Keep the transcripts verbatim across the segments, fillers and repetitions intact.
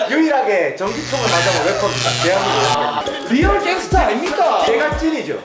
유일하게 전기총을 맞아본 래퍼입니다. 대한민국 래퍼. 리얼 갱스터 아닙니까? 제가 찐이죠.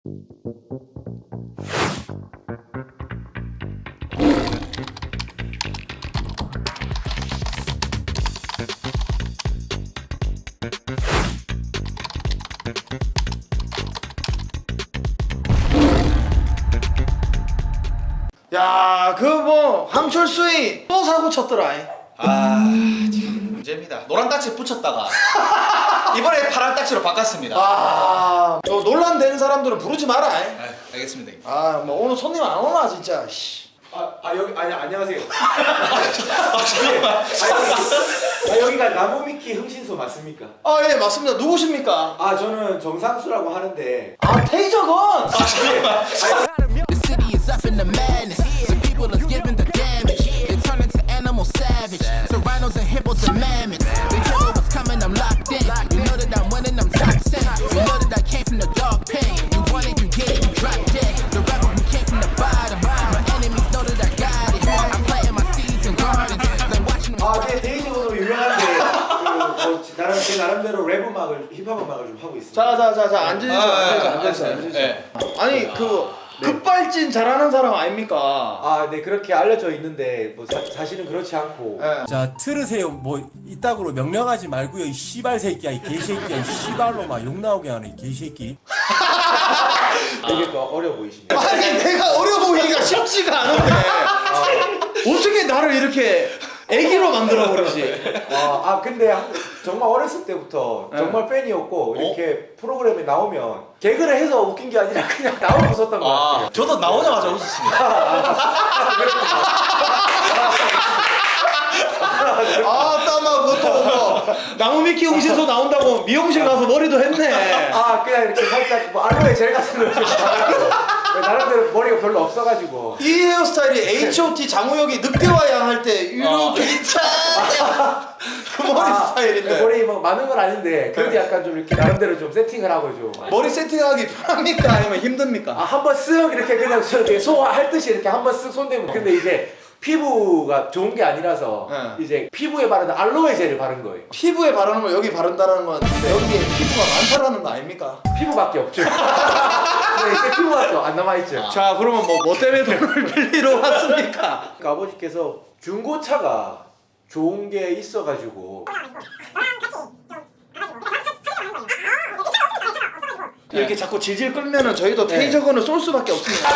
야, 그 뭐 함철수이 또 사고 쳤더라. 아, 참 문제입니다. 노란 딱지 붙였다가 이번에 파란 딱지로 바꿨습니다. 아, 저 논란되는 사람들은 부르지 마라. 아, 알겠습니다. 아, 뭐 오늘 손님 안 오나 진짜. 씨. 아, 아 여기 아니 안녕하세요. 아, 잠깐만. 아, 여기가 나무미키 흥신소 맞습니까? 아, 예, 맞습니다. 누구십니까? 아 저는 정상수라고 하는데. 아, 테이저건. The city is up in the madness. The people is giving the damage. They turn into animal savage. So rhinos and hippos and mammoths. They hear what's coming, I'm locked in. You know that I'm winning, I'm top ten. You know that I came from the dog pen. You want it, you get it, you drop dead. The rebel who came from the bottom. My enemies know that I got it. I'm planting my seeds in gardens. Then watching them. 아, 네, 데이지으로 유명한데 그뭐 나름 제 나름대로 랩 음악을 힙합 음악을 좀 하고 있습니다. 자, 자, 자, 자, 앉으시죠. 아, 아, 앉으시죠. 아, 앉으시죠. 아, 앉으시죠. 네. 아니, 그 급발진 잘하는 사람 아닙니까? 아, 네 그렇게 알려져 있는데 뭐 사, 사실은 그렇지 않고. 예. 자 들으세요. 뭐 이따구로 명령하지 말고요. 이 씨발 새끼야, 이 개새끼야, 이 씨발로 막 욕 나오게 하는 이 개새끼. 되게 또 어려 보이십니다. 아니, 내가 어려 보이기가 쉽지가 않은데 어떻게 나를 이렇게 애기로 만들어 버리지? 아, 아 근데 한- 정말 어렸을 때부터 네. 정말 팬이었고 이렇게 프로그램에 나오면 개그를 해서 웃긴 게 아니라 그냥 나오고 웃었던 것 아, 같아요. 저도 나오자마자 웃었습니다. 아, 따마 그것도 뭐 나무미키 응신소 나온다고 미용실 가서 머리도 했네. 아 그냥 이렇게 살짝 뭐 알로에 젤 같은 거 이렇게 바르고 나름대로 머리가 별로 없어가지고. 이 헤어스타일이 에이치 오 티 장우혁이 늑대와 양 할 때 이렇게 있잖아. 그 머리 아, 스타일인데 머리 뭐 많은 건 아닌데 그래도 약간 좀 이렇게 나름대로 좀 세팅을 하고 좀. 머리 세팅하기 편합니까? 아니면 힘듭니까? 아, 한 번 쓱 이렇게 그냥 저렇게 소화할 듯이 이렇게 한 번 쓱 손대면. 근데 이제 피부가 좋은 게 아니라서 네. 이제 피부에 바르는 알로에 젤을 바른 거예요. 피부에 바르는 걸 여기 바른다는 건 여기에 피부가 많다라는 거 아닙니까? 피부밖에 없죠. 네, 이제 피부가 또 안 남아있죠. 자, 그러면 뭐, 뭐 때문에 돈을 빌리러 왔습니까? 그러니까 아버지께서 중고차가 좋은 게 있어가지고. 이렇게 자꾸 질질 끌면은 저희도 테이저건을 쏠 수밖에 없습니다.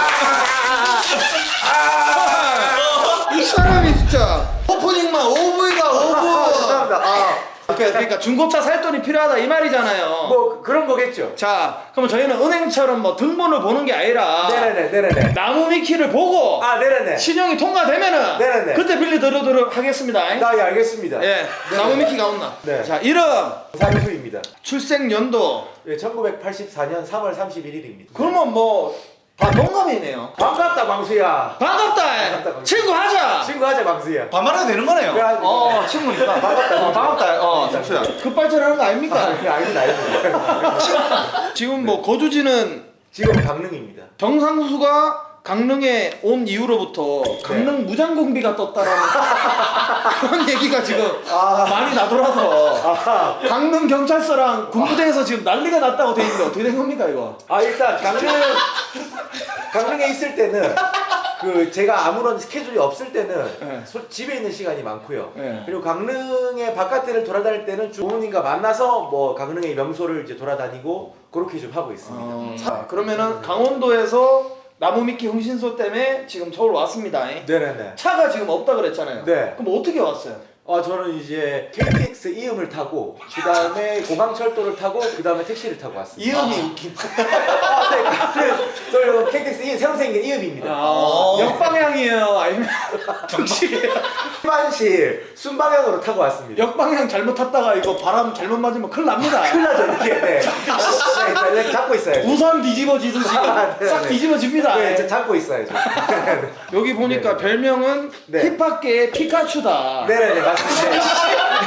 이 사람이 진짜 오프닝만 오브이가 오브. 죄송합니다. 아, 그러니까 중고차 살 돈이 필요하다 이 말이잖아요. 뭐 그런 거겠죠. 자, 그럼 저희는 은행처럼 뭐 등본을 보는 게 아니라 네네네, 네네네. 나무미키를 보고 아, 네네네. 신용이 통과되면은 네네네. 그때 빌려드리도록 하겠습니다. 아, 예, 알겠습니다. 예, 나무미키가 온나. 네. 자, 이름, 상수입니다. 출생 연도. 예, 천구백팔십사 년 삼월 삼십일일입니다. 그러면 뭐 다 동갑이네요. 반갑다, 광수야. 반갑다. 반갑다, 광수. 친구 하자. 친구하자, 광수야. 반말해도 되는 거네요. 그래가지고. 어, 친구니까. 반갑다. 어, 반갑다. 어, 장수야. 급발전하는 거 아닙니까? 아, 예, 알겠다, 알겠다. 지금 뭐 거주지는 지금 강릉입니다. 정상수가 강릉에 온 이후로부터 강릉 무장공비가 떴다라는 그런 얘기가 지금 아. 많이 나돌아서 아, 강릉 경찰서랑 군부대에서 지금 난리가 났다고 돼 있는데 어떻게 된 겁니까 이거? 아 일단 강릉 강릉에 있을 때는 그 제가 아무런 스케줄이 없을 때는 네. 소- 집에 있는 시간이 많고요. 네. 그리고 강릉의 바깥을 돌아다닐 때는 부모님과 만나서 뭐 강릉의 명소를 이제 돌아다니고 그렇게 좀 하고 있습니다. 어, 자, 그러면은 강원도에서 나무미키 흥신소 때문에 지금 서울 왔습니다. 네네네. 차가 지금 없다 그랬잖아요. 네. 그럼 어떻게 왔어요? 아 저는 이제 케이티엑스 이음을 타고 그 다음에 공항철도를 타고 그 다음에 택시를 타고 왔습니다. 이음이 웃긴. 아, 네, 그, 저 케이티엑스 이음 새로 생긴 이음입니다. 아, 역방향이에요? 아니면 정식이에요? 일반실 순방향으로 타고 왔습니다. 역방향 잘못 탔다가 이거 바람 잘못 맞으면 큰일 납니다. 큰일 나죠 이렇게. 네. 네, 네, 잡고 있어요. 우산 뒤집어지듯이 아, 네, 싹 네. 뒤집어집니다. 네, 저 잡고 있어야죠. 여기 보니까 네. 별명은 네. 힙합계의 피카츄다. 네네네 맞습니다.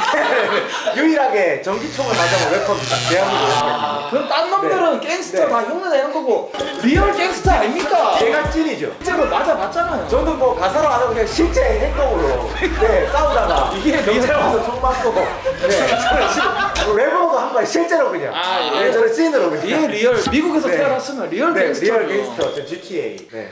유일하게 전기총을 맞아본 래퍼입니다. 대한민국 래퍼입니다. 그럼 딴 놈들은 갱스터 네. 다 흉내내는 거고 리얼 갱스터 아닙니까? 제가 찐이죠. 실제로 맞아봤잖아요. 저는 뭐 가사로 안 하고 그냥 실제 행동으로 네, 싸우다가 이게 경찰 와서 총 맞고 네, 저는 실- 래퍼도 한 거예요. 실제로 그냥. 아, 예. 네, 저는 찐으로 그냥. 이게 리얼 미국에서 네. 태어났으면 리얼 네, 갱스터. 리얼 갱스터. 저 지티에이. 네.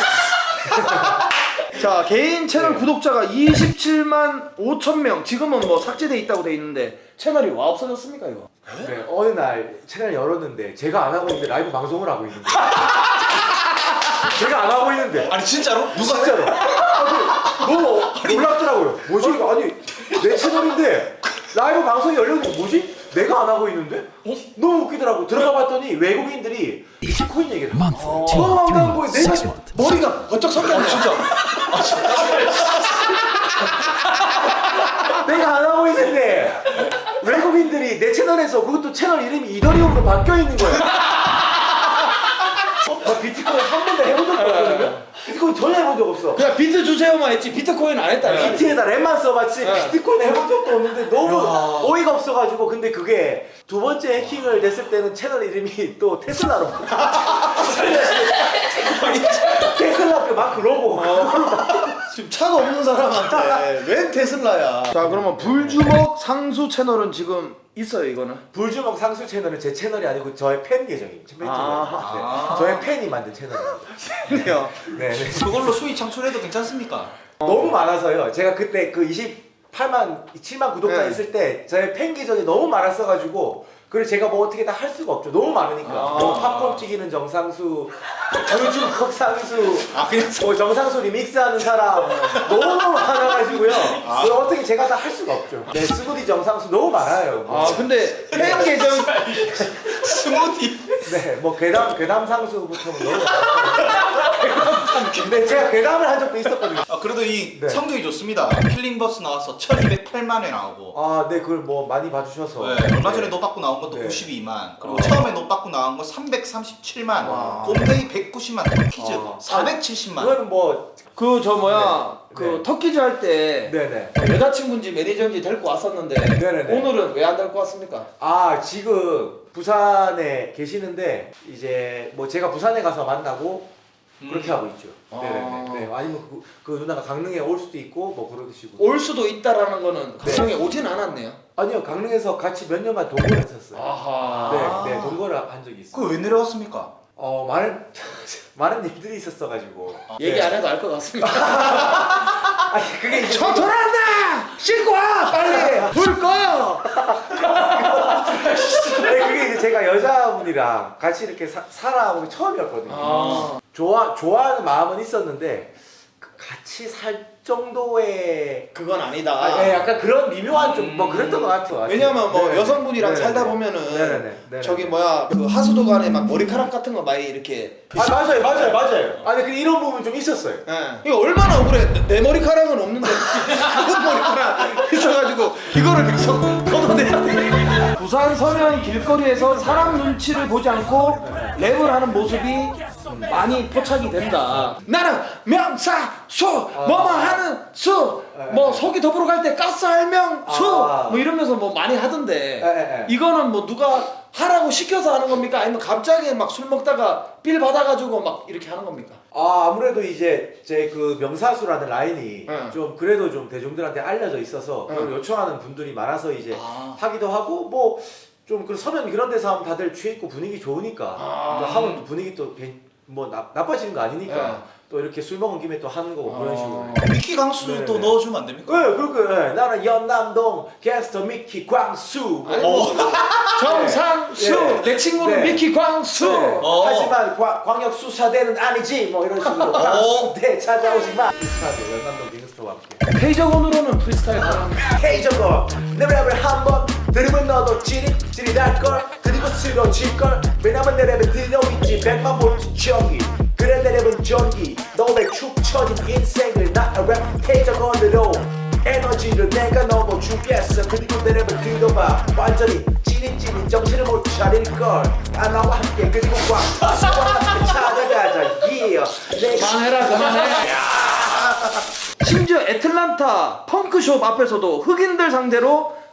자 개인 채널 네. 구독자가 이십칠만 오천 명. 지금은 뭐 삭제돼 있다고 돼 있는데 채널이 와 없어졌습니까 이거? 네, 어느 날 채널 열었는데 제가 안 하고 있는데 라이브 방송을 하고 있는 거예요. 제가 안 하고 있는데. 아니 진짜로? 누가 해? 진짜로. 아니, 너무 놀랍더라고요. 뭐지 이거? 아니 내 채널인데 라이브 방송이 열렸는데 뭐지? 내가 안 하고 있는데? 어? 너무 웃기더라고. 들어가 봤더니 외국인들이 비트코인 얘기를 해. 어, 너무 황당한 거예요. 내가 머리가 번쩍 섰겠네. 진짜. 내가 안 하고 있는데 외국인들이 내 채널에서 그것도 채널 이름이 이더리움으로 바뀌어 있는 거야. 나 비트코인 한 번도 해본 적도 없거든요. 비트코인 전혀 해본 적 없어. 그냥 비트 주세요만 했지 비트코인 안 했다. 비트에다 랩만 써봤지 네. 비트코인 해본 적도 없는데 너무 야. 어이가 없어가지고. 근데 그게 두 번째 해킹을 됐을 때는 채널 이름이 또 테슬라로 테슬라 그 마크 로고. 지금 차가 없는 사람한테 웬 테슬라야. 자 그러면 불주먹 상수 채널은 지금 있어요 이거는? 불주먹 상수 채널은 제 채널이 아니고 저의 팬 계정입니다. 팬 아. 네. 저의 팬이 만든 채널입니다. 그래요. 네, 네. 그걸로 수익 창출해도 괜찮습니까? 너무 많아서요. 제가 그때 그 이십팔만, 칠만 구독자 네. 있을 때 저의 팬 계정이 너무 많았어가지고 그걸 제가 뭐 어떻게 다 할 수가 없죠. 너무 많으니까. 아. 뭐 팝콘 튀기는 정상수, 불주먹 상수, 아 그냥 뭐 정상수 리믹스하는 사람 너무 많아가지고요. 그걸 어떻게 제가 다 할 수가 없죠. 네, 스무디 정상수 너무 많아요. 뭐. 아 근데 팬 계정 스무디. 네, 뭐 괴담 괴담 상수부터는 너무 많아요. 근데 제가 괴담을 한 적도 있었거든요. 아 그래도 이 네. 성적이 좋습니다. 킬링버스 나와서 천이백팔만 회 나오고. 아, 네, 그걸 뭐 많이 봐주셔서. 네, 얼마 전에 네. 노 받고 나온 것도 네. 구십이만, 그리고 어. 처음에 노 받고 나온 거 삼백삼십칠만, 와. 곰탱이 백구십만, 터키즈 어. 사백칠십만. 그거는 뭐, 그 저 뭐야 네. 그 네. 터키즈 할 때 네네. 여자친구인지 매니저인지 데리고 왔었는데 네네네. 오늘은 왜 안 데리고 왔습니까? 아, 지금 부산에 계시는데 이제 뭐 제가 부산에 가서 만나고 그렇게 음. 하고 있죠. 아. 네네네. 네. 아니면 그, 그 누나가 강릉에 올 수도 있고 뭐 그러시고. 올 수도 있다라는 거는 네. 강릉에 오진 않았네요. 아니요, 강릉에서 같이 몇 년간 동거를 했었어요. 아하. 네, 네, 동거를 한 적이 있어요. 그거 왜 내려왔습니까? 어, 많은 많은 일들이 있었어가지고. 얘기 네. 안 해도 알 것 같습니다. 아니 그게 이제 저 돌아온다! 씻고 와! 빨리! 불 꺼! 네, 그게 이제 제가 여자분이랑 같이 이렇게 사, 살아본 게 처음이었거든요. 아. 좋아 좋아하는 마음은 있었는데 그 같이 살 정도의 그건 아니다. 아, 네, 약간 그런 미묘한 좀 뭐 음. 그랬던 것 같아요. 왜냐면 뭐 네. 여성분이랑 네네네. 살다 보면은 네네네. 네네네. 저기 뭐야 그 하수도간에 막 머리카락 같은 거 많이 이렇게 아 맞아요 맞아요 맞아요. 아니 그 이런 부분 좀 있었어요. 예. 이거 얼마나 억울해. 내, 내 머리카락은 없는데 그분 머리카락 있어가지고 이거를 계속 걷어내야 돼. 부산 서면 길거리에서 사람 눈치를 보지 않고 랩을 하는 모습이 많이 포착이 된다. 나는 명사수 뭐뭐 하는 수 뭐 속이 더불어 갈 때 가스 할명수 아. 뭐 이러면서 뭐 많이 하던데 에, 에, 에. 이거는 뭐 누가 하라고 시켜서 하는 겁니까? 아니면 갑자기 막 술 먹다가 빌 받아가지고 막 이렇게 하는 겁니까? 아 아무래도 이제 제 그 명사수라는 라인이 응. 좀 그래도 좀 대중들한테 알려져 있어서 응. 그걸 요청하는 분들이 많아서 이제 아. 하기도 하고 뭐 좀 그 서면 이런 데서 하면 다들 취해 있고 분위기 좋으니까 아. 또 하면 또 분위기 또 뭐 나빠지는 거 아니니까 네. 또 이렇게 술 먹은 김에 또 하는 거고 그런 식으로. 미키 강수도 네네. 또 넣어주면 안 됩니까? 네, 그렇게 네. 나는 연남동 게스트 미키 광수. 아니, 어. 정상수 네. 내 친구는 네. 미키 광수. 네. 어. 하지만 과, 광역 수사대는 아니지 뭐 이런 식으로 광수대 찾아오지 마. 비슷하죠 연남동 갱스터와 함께. 페이저건으로는 프리스타일 바랍니다. 헤이 저거 내 랩을 한번 들으면 너도 찌릿 찌릿할걸 그리고 쓰러질걸 왜냐면 내 랩에 들려있지 백만 볼트 전기 그래 내 랩은 전기 너의 축 처진 인생을 나의 랩 헤이 저거로 에너지를 내가 넘어주겠어 그리고 내 랩을 들어봐 완전히 찌릿찌릿 정신을 못 차릴걸 아 나와 함께 그리고 광수와 함께 찾아가자 yeah. 그만해라 그만해. 심지어 애틀란타 펑크숍 앞에서도 흑인들 상대로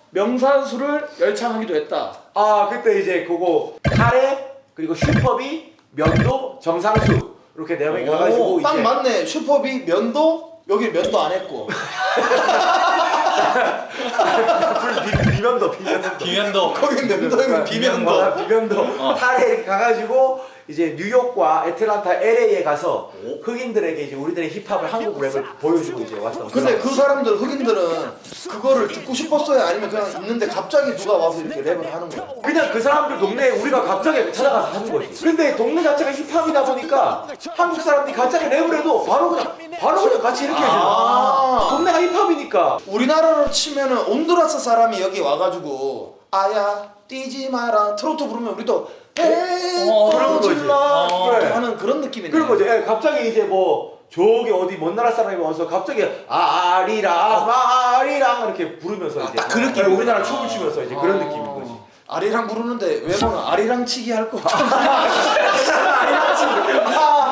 명사수를 열창하기도 했다. 아 그때 이제 그거 카레 그리고 슈퍼비 면도 정상수 이렇게 네 명이 가가지고 오, 딱 이제 맞네. 슈퍼비 면도 여기 면도 안 했고. 비, 비면도 비면도 비면도 거기 면도 여기 비면도. 어, 비면도 카레 이렇게 가가지고 이제 뉴욕과 애틀란타 엘에이에 가서 흑인들에게 이제 우리들의 힙합을 한국 랩을 보여주고 이제 왔던. 근데 그런- 그 사람들 흑인들은 그거를 듣고 싶었어요? 아니면 그냥 있는데 갑자기 누가 와서 이렇게 랩을 하는 거야? 그냥 그 사람들 동네에 우리가 갑자기 찾아가서 하는 거지. 근데 동네 자체가 힙합이다 보니까 한국 사람들이 갑자기 랩을 해도 바로 그냥 바로 그냥 같이 이렇게 해줘. 아. 동네가 힙합이니까. 우리나라로 치면은 온두라스 사람이 여기 와가지고 아야 뛰지 마라 트로트 부르면 우리도 에이 어, 그런 거지. 질러 그래. 하는 그런 느낌이네. 그런 거죠. 예, 갑자기 이제 뭐 저기 어디 먼 나라 사람이 와서 갑자기 아리랑 아리랑 이렇게 부르면서 이제 딱 그 느낌. 예, 우리나라 춤을 추면서 이제 그런 느낌인 거지. 아리랑 부르는데 외모는 아리랑 치기 할 거. 아리랑 치고.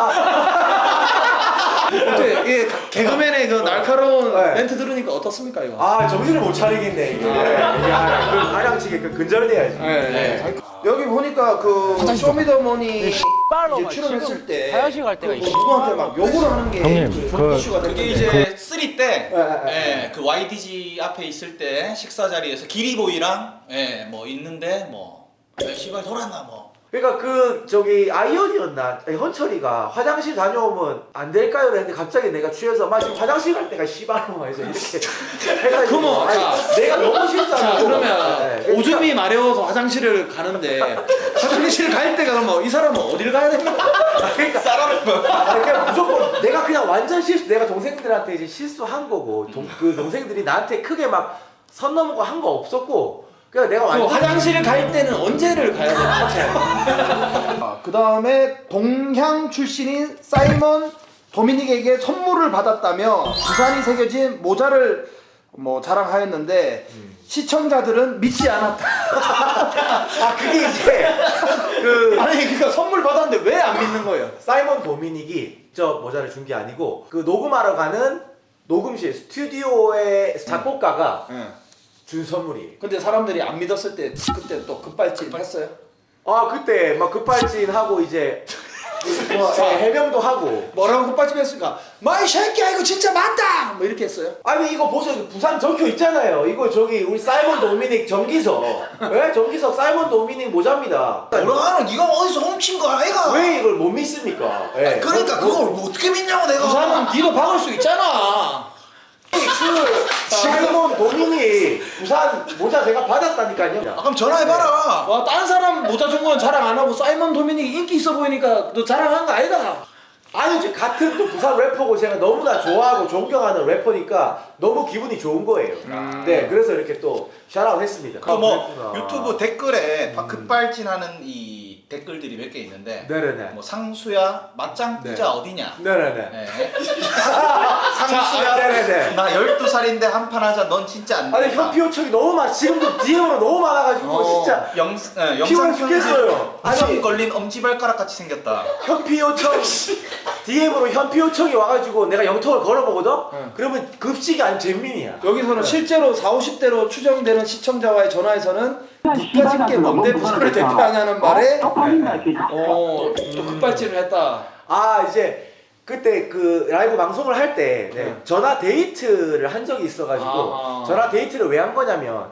어때? 예, 개그맨의 그 날카로운 네. 멘트 들으니까 어떻습니까 이거? 아 정신을 못 차리겠네 이게. 야, 그 아량치게 그 근절돼야지. 네, 네. 여기 보니까 그 쇼미더머니 이제 출연했을 때 화장실 갈 때가 그 있어. 누구한테 막 욕을 하는 게 형님, 그 그- 이슈가 그게 됐는데 이제 쓰리 때, 예, 예, 예, 그 와이디지 앞에 있을 때 식사 자리에서 기리보이랑 예, 뭐 있는데 뭐, 야, 씨발 돌았나 뭐. 그러니까 그 저기 아이언이었나 아니, 헌철이가 화장실 다녀오면 안 될까요? 했는데 갑자기 내가 취해서 막 지금 화장실 갈 때가 씨발로 해서 이렇게 해가지고 그럼, 아니, 자, 내가 너무 실수하고 자 그러면 네, 그러니까 오줌이 마려워서 화장실을 가는데 화장실 갈 때가 그러면 이 사람은 어딜 가야 됩니까? 그러니까 싸라는 거야. 아니, 그냥 무조건 내가 그냥 완전 실수 내가 동생들한테 이제 실수한 거고 동, 그 동생들이 나한테 크게 막 선 넘은 거 한 거 없었고 그냥 내가 그 완전 화장실 갈 때는 언제를 가야 됩니까? 그 다음에 동향 출신인 사이먼 도미닉에게 선물을 받았다며 부산이 새겨진 모자를 뭐 자랑하였는데 시청자들은 믿지 않았다. 아 그게 이제 그 아니 그러니까 선물 받았는데 왜 안 믿는 거예요? 사이먼 도미닉이 저 모자를 준 게 아니고 그 녹음하러 가는 녹음실 스튜디오의 작곡가가 응. 준 선물이에요. 근데 사람들이 안 믿었을 때 그때 또 급발진 했어요? 아 그때 막 급발진하고 이제 뭐 예, 해명도 하고 뭐라고 급발진 했을까? 마이 새끼야 이거 진짜 맞다! 뭐 이렇게 했어요? 아니 이거 보세요 부산 적혀 있잖아요. 이거 저기 우리 사이먼 도미닉 정기석 왜 정기석 사이먼 도미닉 모자입니다. 뭐라는 네가 어디서 훔친 거 아이가? 왜 이걸 못 믿습니까? 예. 그러니까 그- 그걸 뭐 어떻게 믿냐고 내가. 부산은 니도 박을 수 있잖아. 그 사이먼 도미닉 부산 모자 제가 받았다니까요. 아, 그럼 전화해봐라. 와, 딴 사람 모자 준 건 자랑 안 하고 사이먼 도미닉 인기 있어 보이니까 너 자랑한 거 아니다. 아니 이제 같은 또 부산 래퍼고 제가 너무나 좋아하고 존경하는 래퍼니까 너무 기분이 좋은 거예요. 네 그래서 이렇게 또 샤라웃 했습니다. 그 뭐 아, 그랬구나. 유튜브 댓글에 막 급발진하는 이 댓글들이 몇 개 있는데 네네네. 뭐 상수야 맞짱 네. 뜨자 어디냐? 네네네. 네. 자, 상수야 네네네. 나 열두 살인데 한 판 하자 넌 진짜 안 아니 된다. 현피 요청이 너무 많 지금도 디엠으로 너무 많아가지고 어. 진짜 영, 네, 피곤해 영상 죽겠어요. 편집 아니. 성 걸린 엄지발가락 같이 생겼다. 현피 요청 디엠으로 현피 요청이 와가지고 내가 영통을 걸어보거든? 응. 그러면 급식이 아닌 잼민이야. 여기서는 실제로 사오십 대로 추정되는 시청자와의 전화에서는 국가집계 뭔데 부산을 대표하냐는 말에 어, 또 급발진을 했다. 아 이제 그때 그 라이브 방송을 할 때 네. 전화 데이트를 한 적이 있어가지고 아. 전화 데이트를 왜 한 거냐면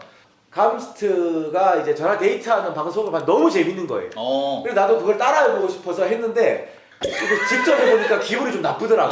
감스트가 이제 전화 데이트하는 방송을 봐 너무 재밌는 거예요. 어. 그래서 나도 그걸 따라해보고 싶어서 했는데 이거 직접 해보니까 기분이 좀 나쁘더라고.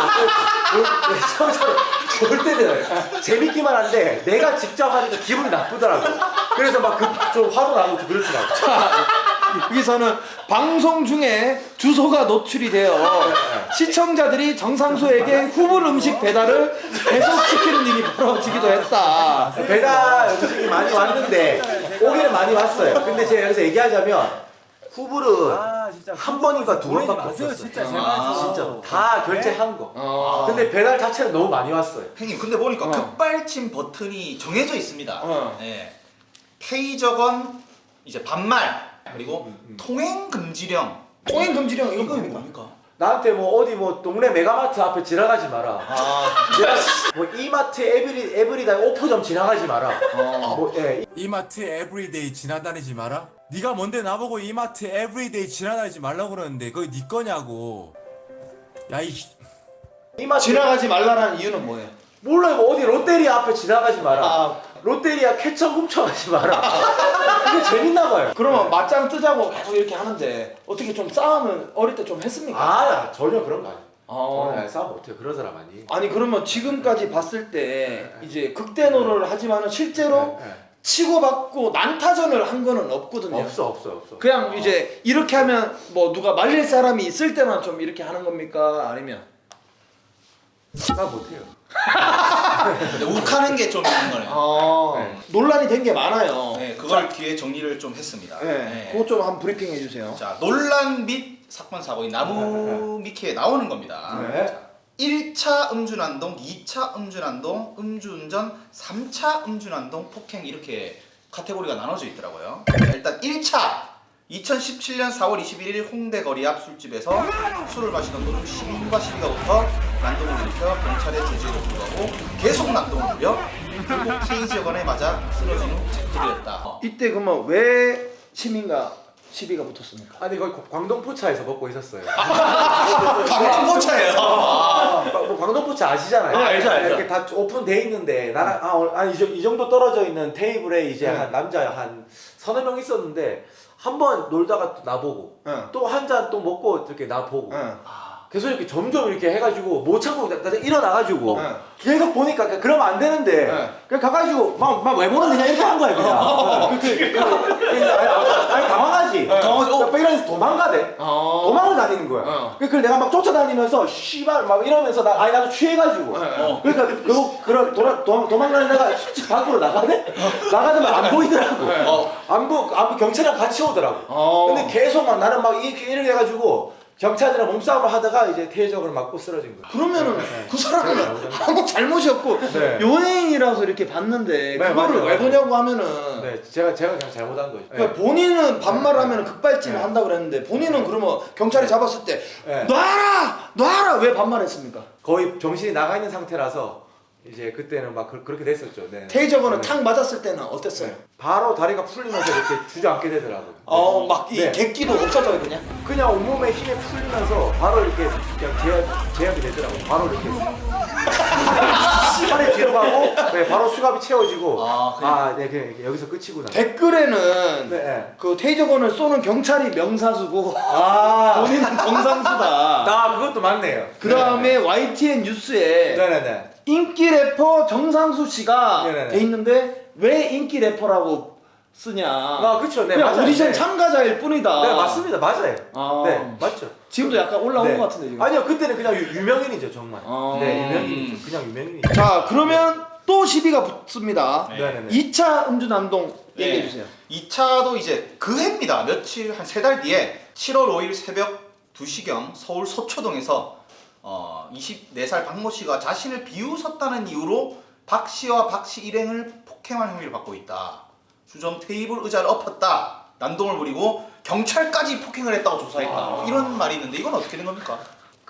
처음처럼 볼 때는 재밌기만 한데 내가 직접 하니까 기분이 나쁘더라고. 그래서 막 좀 화도 나고 좀 그렇더라고. 여기서는 방송 중에 주소가 노출이 되어 시청자들이 정상수에게 후불 음식 배달을 계속 시키는 일이 벌어지기도 했다. 배달 음식이 많이 왔는데 오기는 많이 왔어요. 근데 제가 여기서 얘기하자면 후불은 아 진짜 한 번인가 두 번밖에 마세요, 없었어요. 진짜 제발 아, 좀. 진짜 다 결제한 거. 어. 근데 배달 자체는 너무 많이 왔어요. 형님 근데 보니까 어. 급발진 버튼이 정해져 있습니다. 어. 예. 테이저건 이제 반말 그리고 통행 금지령. 통행 금지령 이거 이거 뭡니까? 뭡니까? 나한테 뭐 어디 뭐 동네 메가마트 앞에 지나가지 마라. 아, 뭐 이마트 에브리 에브리다 오프점 지나가지 마라. 어. 뭐 예. 이마트 에브리데이 지나다니지 마라? 네가 뭔데 나보고 이마트 에브리데이 지나다니지 말라고 그러는데 그게 네 거냐고. 야이 이마트 지나가지 말라는 이유는 뭐예요? 몰라요. 뭐 어디 롯데리아 앞에 지나가지 마라. 아. 롯데리아 케첩 훔쳐가지 마라. 그게 재밌나 봐요. 그러면 맞짱 뜨자고 계속 이렇게 하는데 어떻게 좀 싸움은 어릴 때 좀 했습니까? 아 전혀 그런 거 아니야. 어. 어, 싸움 못해. 그런 사람 아니. 아니 그러면 지금까지 봤을 때 이제 극대노를 하지만은 실제로 네, 네. 치고받고 난타전을 한 거는 없거든요. 없어 없어 없어. 그냥 이제 이렇게 하면 뭐 누가 말릴 사람이 있을 때만 좀 이렇게 하는 겁니까? 아니면 나 못해요. 근데 욱하는 게 좀 있는 거네요. 아, 네. 논란이 된 게 많아요. 네, 그걸 뒤에 정리를 좀 했습니다. 네, 네. 그거 좀 한번 브리핑 해주세요. 자, 논란 및 사건 사고인 나무 미키에 나오는 겁니다. 네. 자, 일 차 음주난동, 이 차 음주난동, 음주운전, 삼 차 음주난동, 폭행 이렇게 카테고리가 나눠져 있더라고요. 자, 일단 일 차 이천십칠 년 사월 이십일일 홍대 거리 앞 술집에서 술을 마시던 도중 시민과 시비가 붙어 난동을 일으켜 경찰에 제지에도 불구하고 계속 난동을 부려 결국 K지역원에 맞아 쓰러진 후 체포되었다. 어. 이때 그러면 왜 시민과 시비가 붙었습니까? 아니 거기 광동포차에서 먹고 있었어요. 광포차예요. 아, 뭐 광동포차 아시잖아요. 네, 알죠, 알죠. 이렇게 다 오픈돼 있는데 나랑 아, 어, 아니 이, 정- 이 정도 떨어져 있는 테이블에 이제 네. 한 남자 한 서너 명 있었는데 한 번 놀다가 또 나보고 응. 또 한 잔 또 먹고 이렇게 나보고 응. 계속 이렇게 점점 이렇게 해가지고 못 참고 나, 나 일어나가지고 네. 계속 보니까 그냥 그러면 안 되는데 네. 그냥 가가지고 막 막 왜 모르는 그냥 이렇게 한 거야 그냥. 그, 그, 그, 그, 아니, 아니 당황하지. 당황하지. 어. 어, 이러면서 도망가대. 어. 도망을 다니는 거야. 어. 그걸 내가 막 쫓아다니면서 씨발 막 이러면서 나 아니 나도 취해가지고. 어. 그러니까 그거 그런 돌아 도, 도망가는 데가 솔직히 밖으로 나가네. 나가면 안 보이더라고. 어. 안 보, 안 보, 경찰이랑 같이 오더라고. 어. 근데 계속 막 나는 막 이렇게 이렇게 해가지고 경찰이랑 몸싸움을 하다가 이제 퇴적을 맞고 쓰러진 거야. 그러면은 그 사람은 네. 아무 잘못이 없고 네. 연예인이라서 이렇게 봤는데 네, 그거를 맞아요, 왜 맞아요. 보냐고 하면은 네, 제가 제가 그냥 잘못한 거죠. 그러니까 본인은 반말하면 급발진을 네. 한다고 그랬는데 본인은 그러면 경찰이 잡았을 때 네. 놔라! 놔라! 왜 반말했습니까? 거의 정신이 나가 있는 상태라서 이제 그때는 막 그, 그렇게 됐었죠. 네. 테이저건은 네. 탁 맞았을 때는 어땠어요? 바로 다리가 풀리면서 이렇게 주저앉게 되더라고요. 어, 막 이 네. 객기도 없어져요 그냥? 그냥 온몸에 힘이 풀리면서 바로 이렇게 그냥 제압, 제압이 되더라고요. 바로 이렇게 시간에 뒤로 가고 네, 바로 수갑이 채워지고 아, 그냥- 아, 네, 그냥 여기서 끝이구나. 댓글에는 네, 네. 그 테이저건을 쏘는 경찰이 명사수고 아, 본인은 정상수다. 나 그것도 맞네요. 그 다음에 와이티엔 뉴스에 네네네. 인기 래퍼 정상수 씨가 네네네. 돼 있는데 왜 인기 래퍼라고 쓰냐? 아, 그쵸. 네, 그냥 맞아요. 오디션 네. 참가자일 뿐이다. 네, 맞습니다. 맞아요. 아. 네, 맞죠. 지금도 약간 올라온 네. 것 같은데 지금. 아니요, 그때는 그냥 유, 유명인이죠, 정말. 아. 네, 유명인이죠. 그냥 유명인이죠. 자 그러면 또 시비가 붙습니다. 네. 네네네. 이 차 음주난동 얘기해 주세요. 이 차도 이제 그 해입니다. 며칠 한 세 달 뒤에 칠월 오일 새벽 두 시경 서울 서초동에서 어, 이십네 살 박모 씨가 자신을 비웃었다는 이유로 박 씨와 박 씨 일행을 폭행한 혐의를 받고 있다. 주점 테이블 의자를 엎었다. 난동을 부리고 경찰까지 폭행을 했다고 조사했다. 뭐 이런 말이 있는데 이건 어떻게 된 겁니까?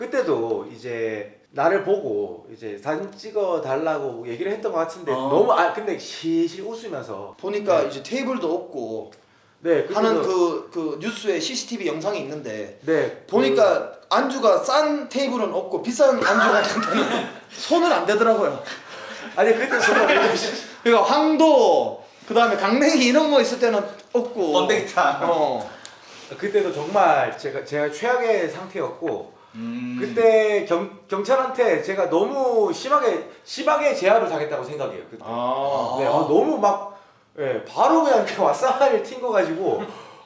그때도 이제 나를 보고 이제 사진 찍어 달라고 얘기를 했던 것 같은데 어. 너무 아 근데 실실 웃으면서 보니까 네. 이제 테이블도 없고 네 그때도- 하는 그, 그 뉴스에 씨씨티비 영상이 있는데 네 보니까 안주가 싼 테이블은 없고 비싼 안주가 있는데 손은 안 되더라고요. 그, 아니 그때 정말 그러니까 황도 그 다음에 강냉이 이런 거 있을 때는 없고 번데기탕. 어. 그때도 정말 제가 제가 최악의 상태였고 음. 그때 경, 경찰한테 제가 너무 심하게 심하게 제압을 당했다고 생각해요. 그때. 아. 네, 아, 너무 막 예, 바로 그냥 이렇게 왓싸를 튄 거 가지고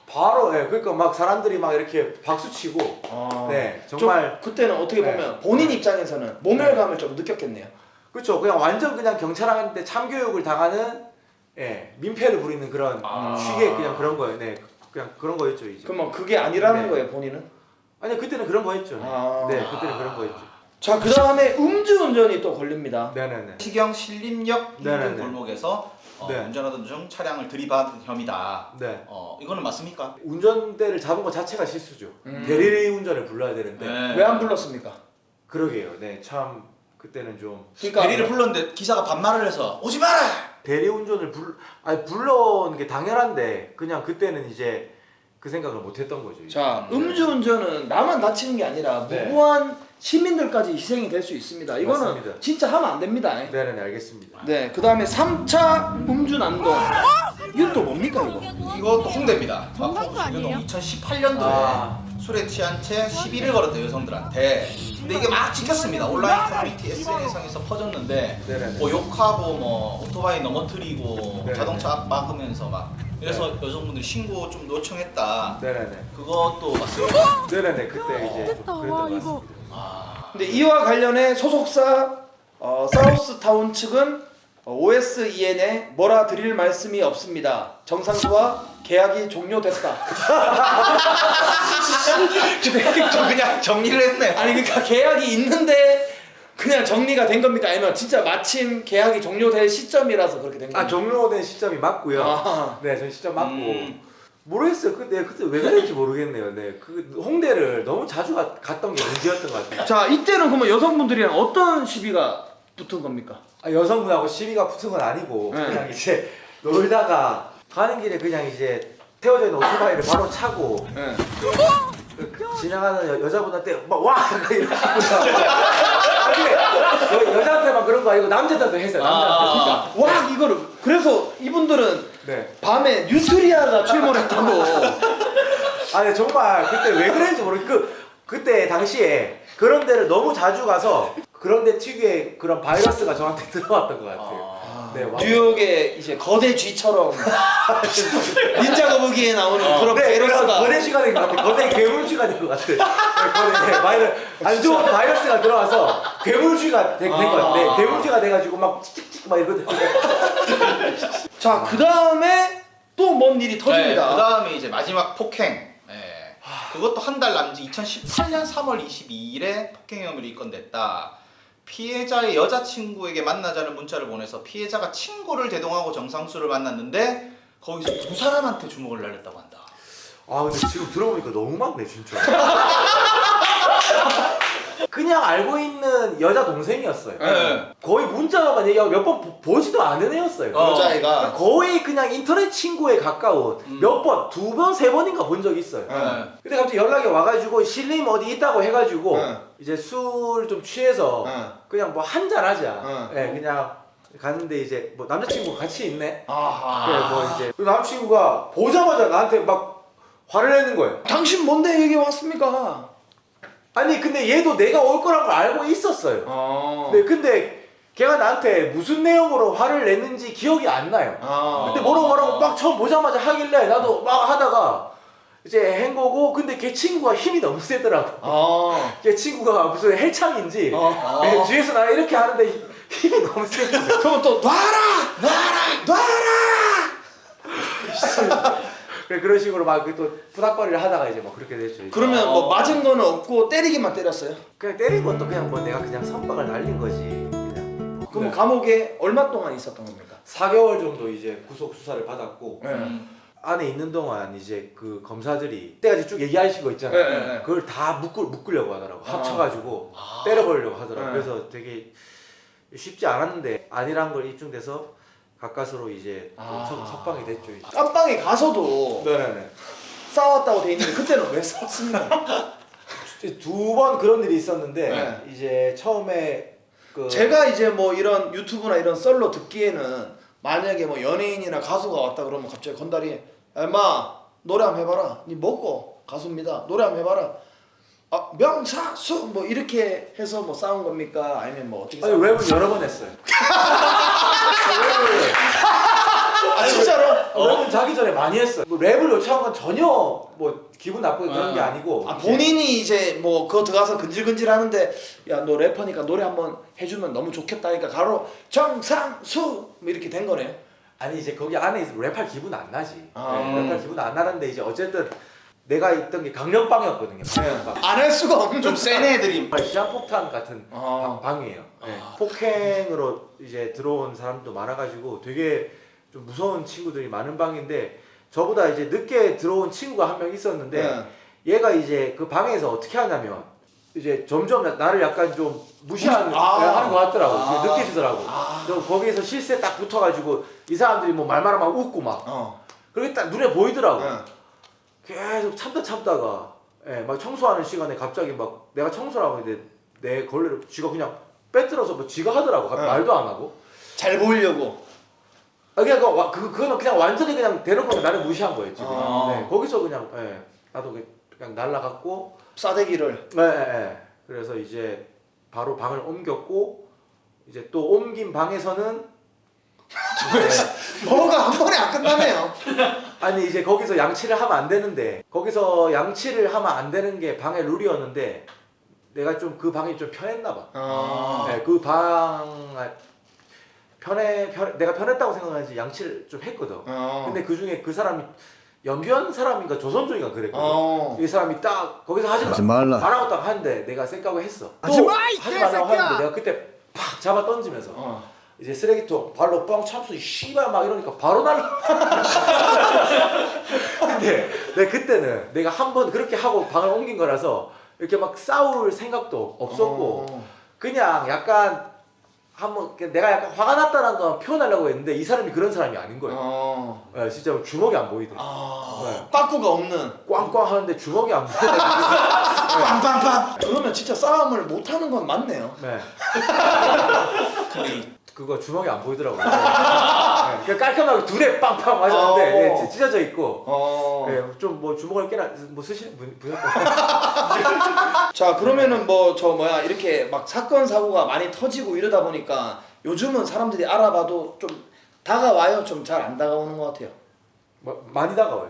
바로 예, 그러니까 막 사람들이 막 이렇게 박수 치고 아. 네 좀 정말 그때는 어떻게 네. 보면 본인 입장에서는 모멸감을 좀 느꼈겠네요. 그렇죠. 그냥 완전 그냥 경찰한테 참교육을 당하는 예, 민폐를 부리는 그런 아. 취의 그냥 그런 거예요. 네, 그냥 그런 거였죠 이제. 그러면 그게 아니라는 네. 거예요 본인은? 아니 그때는 그런 거였죠. 네, 아. 네 그때는 그런 거였죠. 자 그 다음에 음주운전이 또 걸립니다. 네네네. 시경 신림역 인근 네네네. 골목에서 어, 네. 운전하던 중 차량을 들이받은 혐의다. 네. 어, 이거는 맞습니까? 운전대를 잡은 것 자체가 실수죠. 음. 대리 운전을 불러야 되는데 네. 왜 안 불렀습니까? 그러게요. 네, 참 그때는 좀 그러니까 대리를 불렀는데 기사가 반말을 해서 오지 마라. 대리 운전을 불 아니 불러온 게 당연한데 그냥 그때는 이제 그 생각을 못했던 거죠. 자, 음주운전은 나만 다치는 게 아니라 네. 무고한 시민들까지 희생이 될 수 있습니다. 이거는 맞습니다. 진짜 하면 안 됩니다. 네네 알겠습니다. 네, 그 다음에 삼 차 음주난동. 이건 또 뭡니까 이거? 이것도 홍대입니다. 정상도 아니에요? 이천십팔 년도에 아. 술에 취한 채 시비를 걸었대요 여성들한테. 근데 이게 막 찍혔습니다. 온라인 커뮤니티 에스엔에스상에서 퍼졌는데 네네네. 뭐 욕하고 뭐 오토바이 넘어뜨리고 네네네. 자동차 앞 막으면서 막 이래서 여성분들이 신고 좀 요청했다. 네네네. 그것도 맞습니다. 네네네 그때 이제 됐다. 그랬던 와, 것 이거. 같습니다. 아, 근데 이와 관련해 소속사 어, 사우스타운 측은 어, 오에스이엔에 뭐라 드릴 말씀이 없습니다. 정상수와 계약이 종료됐다. 근데 저 그냥 정리를 했네. 아니 그러니까 계약이 있는데 그냥 정리가 된 겁니까? 아니면 진짜 마침 계약이 종료될 시점이라서 그렇게 된 겁니까? 아 종료된 시점이 맞고요. 아. 네, 전 시점 맞고 음. 모르겠어요. 그때 그때 왜 그랬는지 모르겠네요. 네, 그 홍대를 너무 자주 가, 갔던 게 문제였던 것 같아요. 자, 이때는 그러면 여성분들이랑 어떤 시비가 붙은 겁니까? 아, 여성분하고 시비가 붙은 건 아니고 네. 그냥 이제 놀다가 가는 길에 그냥 이제 태워져 있는 오토바이를 바로 차고 네. 그, 그 지나가는 여, 여자분한테 막와 이렇게 하고서 아니 여, 여자한테만 그런 거 아니고 남자들도 했어요. 남자한테. 아. 와 이거를 그래서 이분들은 네. 밤에 뉴트리아가 출몰했다고. 아, 네, 정말 그때 왜 그랬는지 모르겠. 그 그때 당시에 그런 데를 너무 자주 가서 그런 데 특유의 그런 바이러스가 저한테 들어왔던 것 같아요. 네, 와. 뉴욕의 이제 거대 쥐처럼 닌자 거북이에 나오는 그런 네, 그런 바이러스가 거대 쥐가 된 것 같아. 거대 괴물쥐가 된 것 같아. 네, 거대 네, 바이러 안 좋은 바이러스가 들어와서 괴물쥐가 된 것 같아. 네, 괴물쥐가 돼가지고 막 찍찍찍 막 이러거든요. 자, 그 다음에 또 뭔 일이 터집니다. 그 다음에 이제 마지막 폭행. 예. 그것도 한 달 남짓 이천십팔 년 삼월 이십이일에 폭행 혐의로 입건됐다. 피해자의 여자친구에게 만나자는 문자를 보내서 피해자가 친구를 대동하고 정상수를 만났는데 거기서 두 사람한테 주먹을 날렸다고 한다. 아, 근데 지금 들어보니까 너무 많네 진짜. 그냥 알고 있는 여자 동생이었어요. 네. 거의 문자로만 얘기하고 몇 번 보지도 않은 애였어요. 어. 여자애가 거의 그냥 인터넷 친구에 가까운 음. 몇 번, 두 번, 세 번인가 본 적이 있어요. 네. 근데 갑자기 연락이 와가지고 실림 어디 있다고 해가지고 응. 이제 술 좀 취해서 응. 그냥 뭐 한잔 하자. 응. 네, 그냥 갔는데 이제 뭐 남자친구 같이 있네. 아하. 그래 뭐 이제 그 남자친구가 보자마자 나한테 막 화를 내는 거예요. 당신 뭔데 여기 왔습니까? 아니 근데 얘도 내가 올 거란 걸 알고 있었어요. 어. 네, 근데 걔가 나한테 무슨 내용으로 화를 냈는지 기억이 안 나요. 아. 근데 뭐라고 뭐라고 막 처음 보자마자 하길래 나도 막 하다가 이제 한 거고 근데 걔 친구가 힘이 너무 세더라고. 아. 걔 친구가 무슨 헬창인지 어. 네, 뒤에서 나 이렇게 하는데 힘이 너무 세. 그러면 또 놔라! 놔라! 놔라! 그래 그런 식으로 막 또 부닥거리를 하다가 이제 뭐 그렇게 됐죠. 이제. 그러면 뭐 맞은 거는 없고 때리기만 때렸어요? 그냥 때린 것도 그냥 뭐 내가 그냥 선박을 날린 거지. 그냥. 그럼 네. 감옥에 얼마 동안 있었던 겁니까? 사 개월 정도 이제 구속 수사를 받았고 네. 안에 있는 동안 이제 그 검사들이 그때까지 쭉 얘기하신 거 있잖아요. 네, 네, 네. 그걸 다 묶을 묶으려고 하더라고. 아. 합쳐가지고 때려버리려고 하더라고. 네. 그래서 되게 쉽지 않았는데 아니란 걸 입증돼서 가까스로 이제 또 아. 석- 석방이 됐죠. 이제. 깜빵에 가서도 네네네. 싸웠다고 돼 있는데 그때는 왜 싸웠습니까? 두 번 그런 일이 있었는데 네. 이제 처음에 그 제가 이제 뭐 이런 유튜브나 이런 썰로 듣기에는 만약에 뭐 연예인이나 가수가 왔다 그러면 갑자기 건달이 야 인마 노래 한번 해봐라. 니 먹고 가수입니다. 노래 한번 해봐라. 아 명사수 뭐 이렇게 해서 뭐 싸운 겁니까? 아니면 뭐 어떻게 아니 싸운 랩은 여러 번 했어요. 아 진짜로? 랩은 자기 전에 많이 했어요. 뭐 랩을 요청한 건 전혀 뭐 기분 나쁘게 그런 게 아. 아니고 아 이제 본인이 이제 뭐 그거 들어가서 근질근질 하는데 야 너 래퍼니까 노래 한번 해주면 너무 좋겠다 하니까 가로 정상수 뭐 이렇게 된 거네요. 아니 이제 거기 안에 있으면 랩할 기분 안 나지. 아. 네, 랩할 기분 안 나는데 이제 어쨌든 내가 있던 게 강력방이었거든요. 강력방. 안 할 수가 없는 좀 센 애들이 정말 시한폭탄 같은 아. 방- 방이에요. 네. 아. 폭행으로 이제 들어온 사람도 많아가지고 되게 좀 무서운 친구들이 많은 방인데 저보다 이제 늦게 들어온 친구가 한 명 있었는데 네. 얘가 이제 그 방에서 어떻게 하냐면 이제 점점 나를 약간 좀 무시하는 아. 하는 것 같더라고. 아. 느껴지더라고. 저 거기에서 실세 딱 붙어가지고 이 사람들이 뭐 말만 하면 웃고 막 어. 그렇게 딱 눈에 보이더라고. 네. 계속 참다 참다가 예, 막 청소하는 시간에 갑자기 막 내가 청소를 하고 있는데 내 걸레를 쥐가 그냥 빼들어서 뭐 쥐가 하더라고. 네. 말도 안 하고. 잘 보이려고. 아 그냥 그, 와- 그 그거는 그냥 완전히 그냥 대놓고 나를 무시한 거예요 지금. 아. 네, 거기서 그냥 예, 나도 그냥- 그냥 날라갔고. 싸대기를. 네, 네, 네. 그래서 이제 바로 방을 옮겼고 이제 또 옮긴 방에서는 뭐가 한 번에 안 끝나네요. 아니 이제 거기서 양치를 하면 안 되는데 거기서 양치를 하면 안 되는 게 방의 룰이었는데 내가 좀 그 방이 좀 편했나 봐. 어. 네, 그 방 편해 편 내가 편했다고 생각하지 양치를 좀 했거든. 어. 근데 그 중에 그 사람이 연변 사람인가 조선족인가 그랬거든. 어. 이 사람이 딱 거기서 하지, 하지 말라. 말라고 딱 하는데 내가 생각을 했어. 하지 또 마, 이 하지 말라고 개새끼야! 하는데 내가 그때 팍 잡아 던지면서 어. 이제 쓰레기통 발로 뻥 참수 씨발 막 이러니까 바로 날라. 근데 내가 그때는 내가 한 번 그렇게 하고 방을 옮긴 거라서 이렇게 막 싸울 생각도 없었고 어. 그냥 약간 한번 내가 약간 화가 났다는 거 표현하려고 했는데 이 사람이 그런 사람이 아닌 거예요. 어. 네, 진짜 주먹이 안 보이더라고. 아. 네. 빠꾸가 없는. 꽝꽝 하는데 주먹이 안 보여. 빵빵빵. 그러면 진짜 싸움을 못 하는 건 맞네요. 네. 거의. 그거 주먹이 안 보이더라고요. 네. 그러니까 깔끔하게 둘에 빵빵 맞았는데 어. 네, 찢어져 있고. 어. 네, 좀 뭐 주먹을 깨나 뭐 쓰시는 분 분이었던. 자 그러면은 뭐 저 뭐야 이렇게 막 사건 사고가 많이 터지고 이러다 보니까 요즘은 사람들이 알아봐도 좀 다가와요. 좀 잘 안 다가오는 것 같아요. 뭐, 많이 다가와요.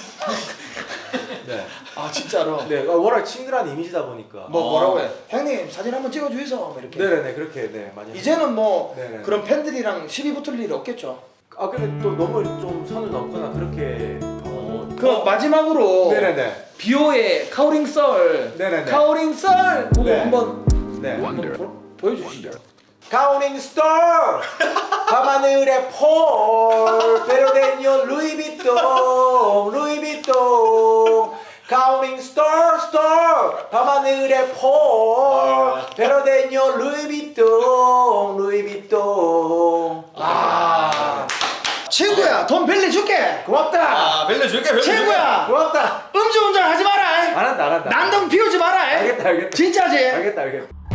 네. 아 진짜로. 네, 어, 워낙 친근한 이미지다 보니까. 뭐 뭐라고 해? 형님 사진 한번 찍어주이소. 뭐 이렇게. 네네네 그렇게 네 많이. 이제는 뭐 네네. 그런 팬들이랑 시비 붙을 일이 없겠죠. 아 근데 또 너무 좀 선을 넘거나 그렇게. 어, 그 마지막으로 네네네. 비오의 카오링 썰. 네네네. 카오링 썰 그거 네. 한번 네. 한번 보, 보여주시죠. 가오닝 스토어 밤하늘의 폴 베로데니오 루이비통 루이비통 가오닝 스토어 스토어 밤하늘의 폴 베로데니오 루이비통 루이비통. 아 친구야 돈 빌려줄게. 고맙다. 아 벨레 줄게 벨레 줄게. 친구야 고맙다. 음주운전 하지 마라. 안 한다 안 한다. 난동 피우지 마라. 알겠다 알겠다. 진짜지? 알겠다 알겠다.